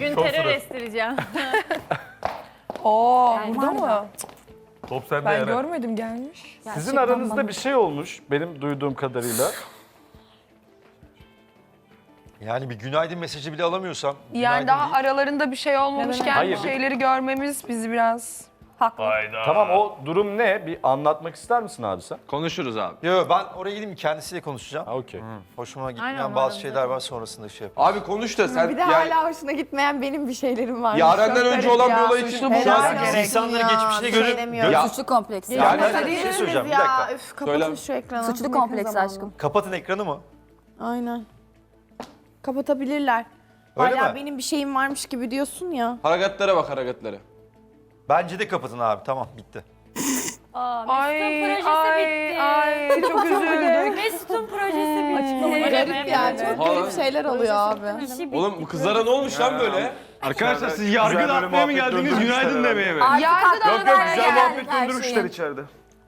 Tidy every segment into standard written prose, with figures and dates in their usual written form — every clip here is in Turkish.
Bugün terör estireceğim. Oo, burada mı? Top sende Ben Eren. görmedim, gelmiş. Sizin aranızda bir şey olmuş benim duyduğum kadarıyla. Yani bir günaydın mesajı bile alamıyorsam. Yani günaydın daha deyip- aralarında bir şey olmamışken Hayır, bu şeyleri görmemiz bizi biraz... Hayda. Tamam o durum ne? Bir anlatmak ister misin abi sen? Konuşuruz abi. Yo ben oraya gideyim kendisiyle konuşacağım. Ha okey. Hoşuma gitmeyen Aynen, bazı umarım şeyler var zaten. sonrasında şey yapayım. Abi konuş da sen Bir de yani hala hoşuna gitmeyen benim bir şeylerim var. Yaren'den Çok önce garip olan ya. bir olay için Suçlu şu an Helal Biz olsun insanları ya, geçmişine bir göre... şey demiyorum. Ya- Suçlu kompleksi. Yani Hadi bir şey yürürüz söyleyeceğim, bir ya. dakika. Üf, kapatın Söyle. şu ekranı. Suçlu Yakın kompleksi zamanda. aşkım. Kapatın ekranı mı? Aynen. Kapatabilirler. Öyle Hala mi? benim bir şeyim varmış gibi diyorsun ya. hareketlara bak hareketlere. Bence de kapatın abi, tamam bitti. Aa, Ay, Mesut'un projesi ay, bitti. ay, çok üzüldük. Mesut'un projesi bitti. Garip ya, çok garip şeyler oluyor abi. İşi bitti. Oğlum bu kızlara ne olmuş lan böyle? Arkadaşlar siz yargı dağıtmaya mı geldiniz, günaydın demeye mi? Yargı Yok yok, güzel muhabbet döndürmüşler içeride.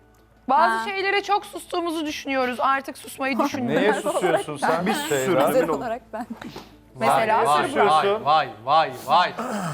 Bazı şeylere çok sustuğumuzu düşünüyoruz. Artık susmayı düşünmüyoruz. Neye susuyorsun sen? Bir Özel olarak ben. Mesela Vay, sırf vay, vay.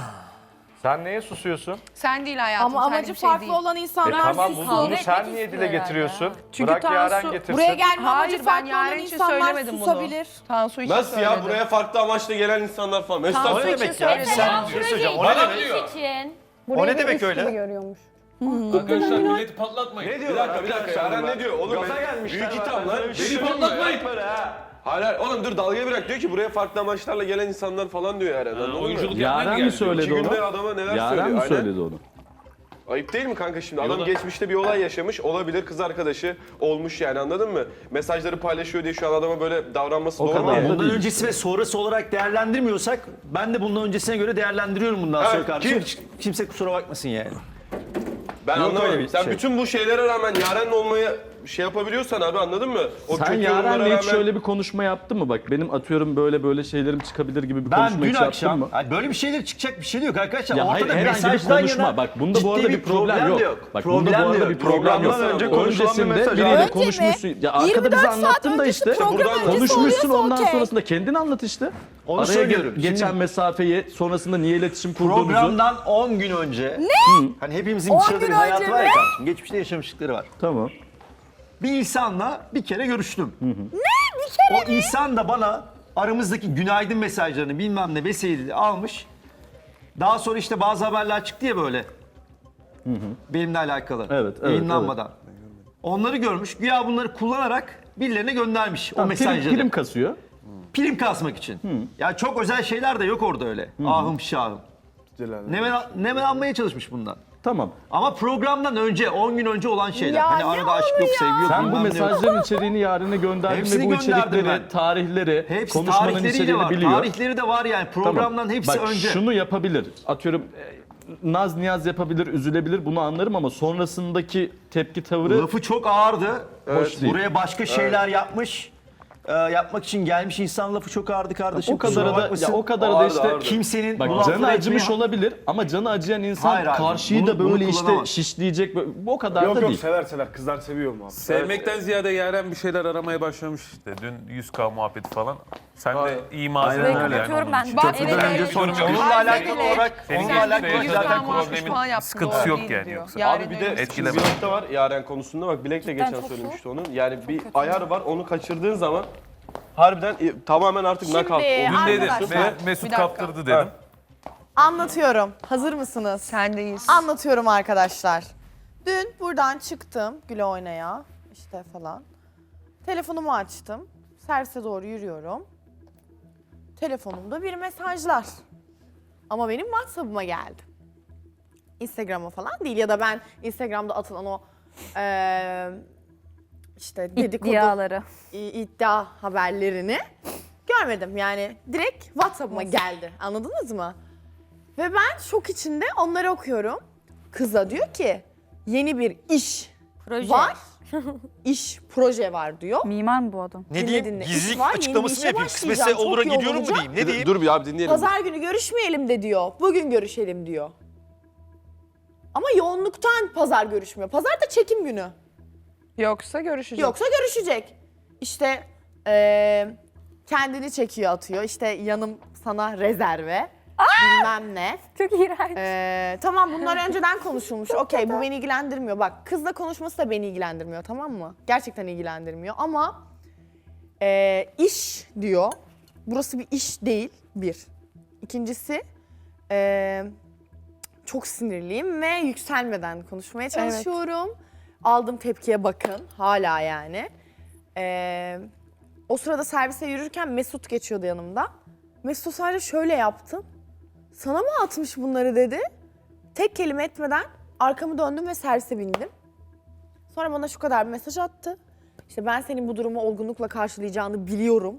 Sen neye susuyorsun? sen değil hayatım. Ama senlik amacı bir şey farklı değil. olan insanlar Tamam susun. bunu sen niye dile getiriyorsun? Çünkü Bırak Yaren Tansu- getirsin. Buraya gelme Hayır, amacı ben farklı olan Yaren için insanlar söylemedim bunu. susabilir. Tansu için Nasıl söyledim. ya buraya farklı amaçla gelen insanlar falan. Mesut Tansu abi O ne için demek ya? söyledim. Sen bir şey söyleyeceğim. O ne Bana demek? diyor. için. O ne demek öyle? Arkadaşlar milleti patlatmayın. Bir dakika. Eren ne diyor? Oğlum büyük itham lan. Beni patlatmayın. Hayır oğlum dur dalgayı bırak diyor ki buraya farklı amaçlarla gelen insanlar falan diyor Eren. Anladın mı? Oyunculuk yapmaya Yaren geldi. mi söyledi İki günde onu? adama neler Yaren söylüyor. mi Aynen. söyledi onu? Ayıp değil mi kanka şimdi? Adam Yola- geçmişte bir olay yaşamış. Olabilir kız arkadaşı olmuş yani anladın mı? Mesajları paylaşıyor diye şu an adama böyle davranması doğru kadar mu? da Bundan değil. öncesi ve sonrası olarak değerlendirmiyorsak ben de bundan öncesine göre değerlendiriyorum bundan sonra Evet, kardeşim. kim? Hiç kimse kusura bakmasın yani. Ben Yok anlamadım. öyle bir Sen şey. bütün bu şeylere rağmen Yaren'le olmayı şey yapabiliyorsan abi anladın mı? O Sen kötü yorumlara Yaren'le rağmen... hiç şöyle bir konuşma yaptın mı? Bak benim atıyorum böyle şeylerim çıkabilir gibi bir Ben konuşma dün hiç yaptın akşam mı? Ay böyle bir şeyler çıkacak bir şey de yok arkadaşlar. Ya hayır Ortada herhangi bir mesajdan konuşma. yana Bak bunda bu ciddi arada bir problem de yok. Bak bunda bu Problem de arada yok. bir problem yok. Programdan önce konuşulan bir Öncesinde mesaj. biriyle Önce mi? konuşmuşsun. Ya arkada bize 24 saat anlattın da öncesi işte. program öncesi Konuşmuşsun oluyorsa ondan okey. sonrasında kendin anlat işte. Onu Araya söylüyorum. geçen Şimdi- mesafeyi sonrasında niye iletişim kurduğunuzu. Programdan 10 gün önce. Ne? Hani hepimizin bir sırada bir hayatı var ya kardeşim. Geçmişte yaşamışlıkları var. Tamam. Bir insanla bir kere görüştüm. Ne? Bir kere O insan da bana aramızdaki günaydın mesajlarını bilmem ne vesaireyi almış. Daha sonra işte bazı haberler çıktı ya böyle. Benimle alakalı. Evet, Yayınlanmadan. Onları görmüş. Güya bunları kullanarak birilerine göndermiş o mesajları. Prim kasıyor. Prim kasmak için. Ya çok özel şeyler de yok orada öyle. Ahım şahım. Nemen almaya çalışmış bundan. Tamam. Ama programdan önce, 10 gün önce olan şeyler. Ya Hani ne arada aşk yok, sevgi yok. Sen bu bilmem ne yok. mesajların içeriğini Yaren'e gönderdin Hepsini ve bu gönderdim içerikleri, ben. tarihleri, Hepsi konuşmanın tarihleriyle içeriğini var. biliyor. Tarihleri de var yani. Programdan Tamam. hepsi Bak, önce. şunu yapabilir. Atıyorum naz niyaz yapabilir, üzülebilir bunu anlarım ama sonrasındaki tepki tavrı Lafı çok ağırdı. Hoş değil. Buraya başka şeyler yapmış. Yapmak için gelmiş insan lafı çok ağırdı kardeşim. o kadar Kusura da bakmasın. ya o kadar da Ağırdı, işte ağırdı. Kimsenin bu bak lafları canı acımış etmeye- olabilir ama canı acıyan insan Hayır abi, karşıyı da bunu böyle işte kullanamaz. şişleyecek o kadar Yok da yok değil. sever kızlar seviyor mu abi? Sevmekten ziyade Yaren bir şeyler aramaya başlamış işte. Dün 100K muhabbeti falan. Sen de iyi malzeme Aynen ol öyle. yani. Kapatıyorum onun ben. için. Bak, Köprüden evet, önce evet. sonuç yok. Onunla alakalı bile- olarak, Senin onunla gelmiş alakalı de zaten zaten konuşmuş. falan yaptı. Sıkıntısı doğru yok değil yani diyor. yoksa. Yaren'in Abi bir de öyle etkileme. bir nokta var Yaren konusunda bak Bilek de geçen çok söylemişti onun. Yani bir ayar var onu kaçırdığın zaman harbiden tamamen artık Şimdi knockout. Dün dedim arkadaşlar ve Mesut Bir dakika. kaptırdı dedim. anlatıyorum. Hazır mısınız? Sendeyiz. Anlatıyorum arkadaşlar. Dün buradan çıktım güle oynaya işte falan. Telefonumu açtım. Servise doğru yürüyorum. Telefonumda bir mesajlar. Ama benim WhatsApp'ıma geldi. Instagram'a falan değil ya da ben Instagram'da atılan o işte dedikodu İddiaları. iddia haberlerini görmedim. Yani direkt WhatsApp'ıma geldi. Anladınız mı? Ve ben şok içinde onları okuyorum. Kıza diyor ki yeni bir iş Proje. var. İş, proje var diyor. Mimar mı bu adam? Ne diyeyim? İş Gizlilik var, yeni bir açıklaması işe mı yapayım? başlayacağım, Kısmetse çok olura yoğun gidiyorum mu olacağım. diyeyim? Ne diyeyim? Dur bir abi dinleyelim. Pazar günü görüşmeyelim de diyor. Bugün görüşelim diyor. Ama yoğunluktan pazar görüşmüyor. Pazar da çekim günü. Yoksa görüşeceğiz. Yoksa görüşecek. İşte kendini çekiyor atıyor. İşte yanım sana rezerve. bilmem ne. Çok iğrenç. Tamam bunlar önceden konuşulmuş. Okey bu beni ilgilendirmiyor. Bak kızla konuşması da beni ilgilendirmiyor tamam mı? Gerçekten ilgilendirmiyor ama iş diyor. Burası bir iş değil bir. İkincisi çok sinirliyim ve yükselmeden konuşmaya çalışıyorum. Aldığım tepkiye bakın hala yani. O sırada servise yürürken Mesut geçiyordu yanımda. Mesut sadece şöyle yaptım. Sana mı atmış bunları dedi. Tek kelime etmeden arkamı döndüm ve servise bindim. Sonra bana şu kadar bir mesaj attı. İşte ben senin bu durumu olgunlukla karşılayacağını biliyorum.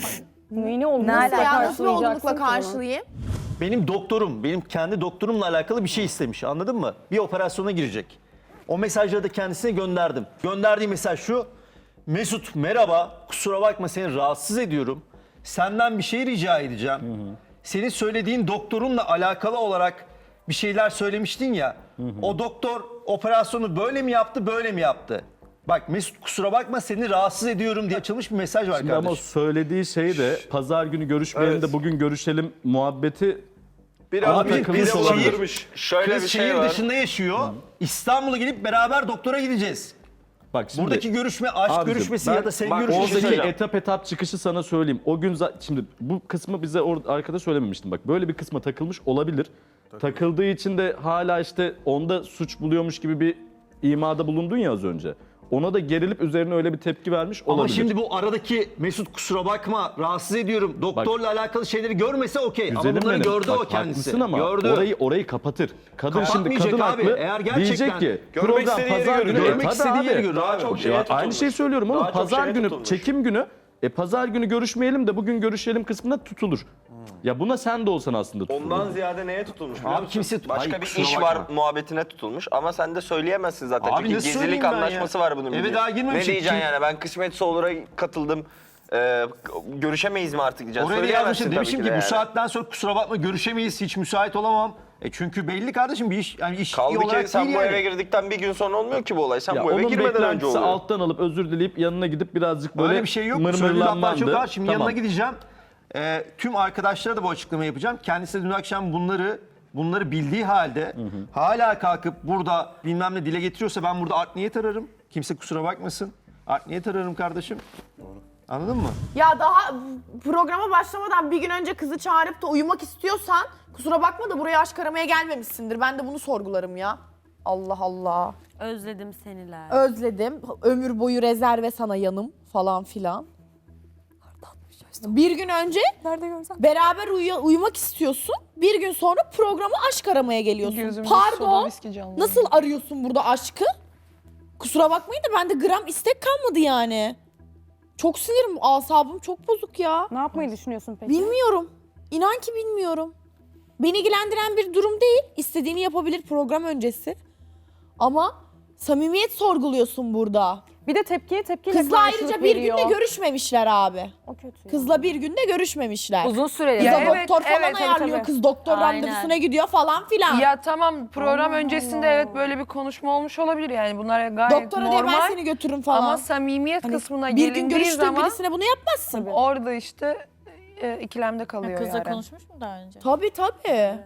Neyini oldu? Nasıl ya? Nasıl bir olgunlukla karşılayayım? Benim doktorum, benim kendi doktorumla alakalı bir şey istemiş anladın mı? Bir operasyona girecek. O mesajları da kendisine gönderdim. Gönderdiği mesaj şu. Mesut merhaba, kusura bakma seni rahatsız ediyorum. Senden bir şey rica edeceğim. Senin söylediğin doktorunla alakalı olarak bir şeyler söylemiştin ya. O doktor operasyonu böyle mi yaptı, böyle mi yaptı? Bak Mesut kusura bakma seni rahatsız ediyorum diye açılmış bir mesaj var Şimdi kardeşim. ama söylediği şey de pazar günü görüşmeyelim de bugün görüşelim muhabbeti Biraz Abi, bir kız de olabilir. olabilirmiş. Şöyle Kız bir şey şehir var. dışında yaşıyor. İstanbul'a gidip beraber doktora gideceğiz. bak şimdi Buradaki görüşme aşk Abicim, görüşmesi ben- ya da sevgi bak, görüşmesi. oradaki söyleyeceğim. etap çıkışı sana söyleyeyim. O gün şimdi bu kısmı bize arkada söylememiştim. Bak böyle bir kısma takılmış olabilir. Takıldığı için de hala işte onda suç buluyormuş gibi bir imada bulundun ya az önce. Ona da gerilip üzerine öyle bir tepki vermiş olabilir. Ama şimdi bu aradaki Mesut kusura bakma rahatsız ediyorum. Doktorla alakalı şeyleri görmese okey. Ama Güzelim bunları benim. gördü Bak, o kendisi. haklısın ama gördü. orayı kapatır. Kadın şimdi Kapatmayacak kadın abi. haklı. Eğer gerçekten diyecek ki görmek program istediği yeri pazar görür. günü. Görmek Tabii istediği abi. yeri görür. Daha çok şeye tutulmuş. Aynı şeyi söylüyorum oğlum. Daha çok Pazar şeye günü tutulmuş. çekim günü. Pazar günü görüşmeyelim de bugün görüşelim kısmına tutulur. Ya buna sen de olsan aslında tutulur. Ondan ziyade neye tutulmuş biliyor Abi musun? kimse Başka Hayır, bir kusura iş bakma. var muhabbetine tutulmuş ama sen de söyleyemezsin zaten. Abi Çünkü nasıl söyleyeyim gizlilik ben ya? anlaşması var bunun. Eve biliyorsun. daha girmemişim. Ne diyeceksin Kim- yani ben kısmetse olur'a katıldım. Görüşemeyiz mi artık diyeceksin. Oraya da Söyleyemezsin yazmışım tabii demişim ki de bu yani. saatten sonra kusura bakma görüşemeyiz hiç müsait olamam. Çünkü belli kardeşim bir iş yani iş Kaldı olarak ki sen değil bu yani. eve girdikten bir gün sonra olmuyor ki bu olay. Sen Ya bu eve onun girmeden önce beklentisi oluyor. alttan alıp özür dileyip yanına gidip birazcık böyle Öyle bir şey yok. Söylediği laflar mırmırlanmandı. çok ağır. Şimdi Tamam. yanına gideceğim. Tüm arkadaşlara da bu açıklamayı yapacağım. Kendisi de dün akşam bunları bildiği halde hala kalkıp burada bilmem ne dile getiriyorsa ben burada art niyet ararım. Kimse kusura bakmasın. Art niyet ararım kardeşim. Anladın mı? Ya daha programa başlamadan bir gün önce kızı çağırıp da uyumak istiyorsan kusura bakma da buraya aşk aramaya gelmemişsindir. Ben de bunu sorgularım ya. Allah Allah. Özledim seniler. Özledim. Ömür boyu rezerve sana yanım falan filan. Bir gün önce Nerede görsem? beraber uyumak istiyorsun. Bir gün sonra programa aşk aramaya geliyorsun. Gözümde soda Pardon. viski canlandı. Nasıl arıyorsun burada aşkı? Kusura bakmayın da bende gram istek kalmadı yani. Çok sinirim, asabım çok bozuk ya. Ne yapmayı düşünüyorsun peki? Bilmiyorum. İnan ki bilmiyorum. Beni ilgilendiren bir durum değil. İstediğini yapabilir program öncesi. Ama samimiyet sorguluyorsun burada. Bir de tepkiye tepkiyle Kızla karşılık ayrıca bir veriyor. günde görüşmemişler abi. O kötü ya. Kızla bir günde görüşmemişler. Uzun süreli. Kıza Ya evet, doktor falan evet, tabii, ayarlıyor. tabii. Kız doktor Aynen. randevusuna gidiyor falan filan. Ya tamam program öncesinde evet böyle bir konuşma olmuş olabilir yani bunlar gayet Doktora diye ben normal. seni götürürüm falan. Ama samimiyet Hani kısmına bir gün gelindiği görüştüğün zaman birisine bunu yapmazsın. orada işte ikilemde kalıyor Kızla yani. konuşmuş mu daha önce? Tabii tabii.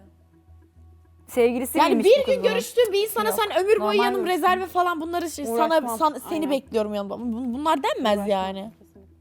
Sevgilisi Yani miymiş bir bu gün kızın? görüştüğün bir insana sen ömür boyu Normal yanım mi? rezerve falan bunları Uğraşmam. seni Aynen. bekliyorum yanımda. Bunlar denmez yani.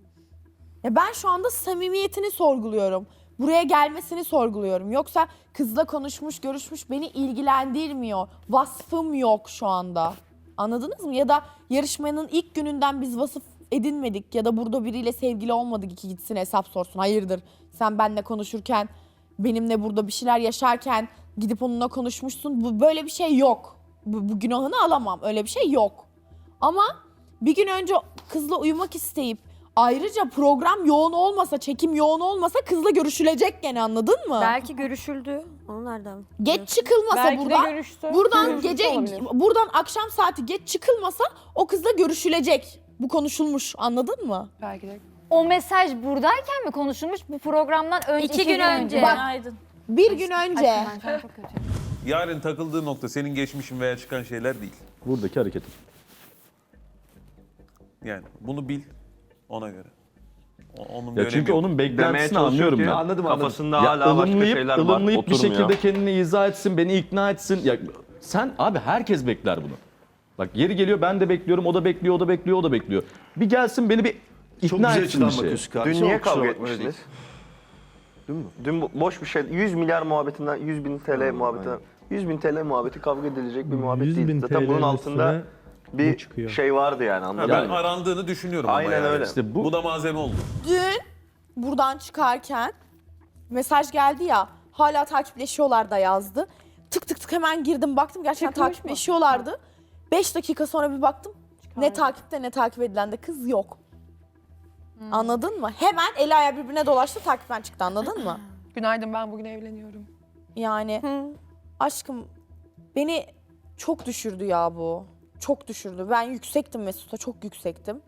Ya ben şu anda samimiyetini sorguluyorum. Buraya gelmesini sorguluyorum. Yoksa kızla konuşmuş, görüşmüş beni ilgilendirmiyor. Vasfım yok şu anda. Anladınız mı? Ya da yarışmanın ilk gününden biz vasıf edinmedik ya da burada biriyle sevgili olmadık ki gitsin hesap sorsun. Hayırdır? Sen benimle konuşurken, benimle burada bir şeyler yaşarken gidip onunla konuşmuşsun. Böyle bir şey yok. Bu günahını alamam. Öyle bir şey yok. Ama bir gün önce kızla uyumak isteyip ayrıca program yoğun olmasa, çekim yoğun olmasa kızla görüşülecek gene anladın mı? Belki görüşüldü. Onu nereden? Geç çıkılmasa Belki de buradan, görüştü. buradan Görüşmüş gece, olabilir. buradan akşam saati geç çıkılmasa o kızla görüşülecek. Bu konuşulmuş anladın mı? Belki de. O mesaj buradayken mi konuşulmuş? Bu programdan önce 2 gün önce. Bak, Günaydın. Bir gün önce. Ben şu an çok kötüyüm. Yarın takıldığı nokta senin geçmişin veya çıkan şeyler değil. Buradaki hareketim. Yani bunu bil ona göre. Onun bir Ya çünkü önemi yok. onun beklentisini anlıyorum ben. Anladım. Kafasında Ya hala başka ılımlayıp şeyler var. bir Oturmuyor. şekilde kendini izah etsin, beni ikna etsin. Ya sen abi herkes bekler bunu. Bak yeri geliyor ben de bekliyorum, o da bekliyor, o da bekliyor, o da bekliyor. Bir gelsin beni bir Çok ikna güzel etsin bir açıdan şey. bakıyorsun Dün kardeşim. niye Kusura kavga bakma. etmiştiniz? Dün boş bir şey. 100 milyar muhabbetinden 100 bin TL muhabbetinden 100 bin TL muhabbeti kavga edilecek bir muhabbet değil. Zaten bunun altında bir şey vardı yani Ha, anladın ben mı? arandığını düşünüyorum ama Aynen yani. öyle. İşte Bu da malzeme oldu. Dün buradan çıkarken mesaj geldi ya, hala takipleşiyorlar da yazdı. Tık tık tık hemen girdim baktım, gerçekten Çıkmış mı? takipleşiyorlardı. 5 dakika sonra bir baktım, ne takipte ne takip edilen de kız yok. Anladın mı? Hemen eli ayağı birbirine dolaştı, takipten çıktı, anladın mı? Günaydın, ben bugün evleniyorum. Yani aşkım beni çok düşürdü ya bu. Çok düşürdü. Ben yüksektim Mesut'a, çok yüksektim.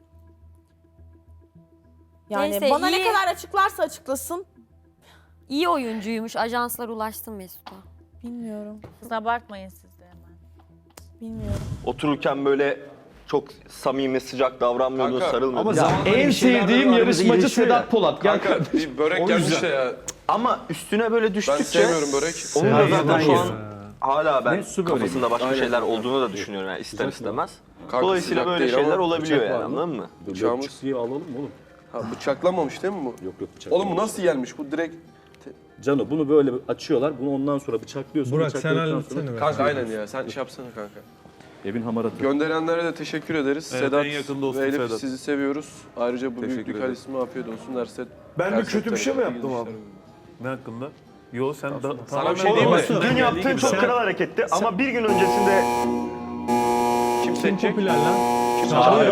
Yani Neyse, bana ne iyi. kadar açıklarsa açıklasın İyi oyuncuymuş. Ajanslar ulaştı Mesut'a. bilmiyorum. Abartmayın siz de hemen. Bilmiyorum. Otururken böyle çok samimi, sıcak davranmıyordun, Kanka, sarılmıyordun. ama zaman- En bir şeyler sevdiğim aramızda yarışmacı gelişiyor ya. Sedat Polat. Gel Kanka bir börek gelmiş de ya. Ama üstüne böyle Ben düştükçe sevmiyorum börek. onun da zaten şu an yiyorsun. hala ben Ne su böreği? kafasında başka Aynen. şeyler olduğunu da düşünüyorum yani ister istemez. Kanka, Dolayısıyla sıcak böyle değil şeyler ama olabiliyor bıçak yani var mı? anladın mı? Bıçağımız. alalım oğlum. Ha, bıçaklanmamış değil mi bu? Yok bıçak. Oğlum bu nasıl gelmiş? Bu direkt... Cano bunu böyle açıyorlar. Bunu ondan sonra bıçaklıyorsun. Burak sen bıçakladıktan halletsene sonra- be. Kanka aynen ya. Sen iş yapsana kanka. Evin hamaratı. Gönderenlere de teşekkür ederiz. Evet, Sedat en yakın dostum ve Elif Sedat. sizi seviyoruz. Ayrıca bu Teşekkür büyüklük ederim. halisime afiyet olsun derse. Ben de kötü bir şey mi yaptım abi? Ne hakkında? Yo sen da... Sana bir şey diyeyim mi? Dün yaptığın çok kral hareketti ama bir gün öncesinde Kim seçecek? Popüler lan. Kim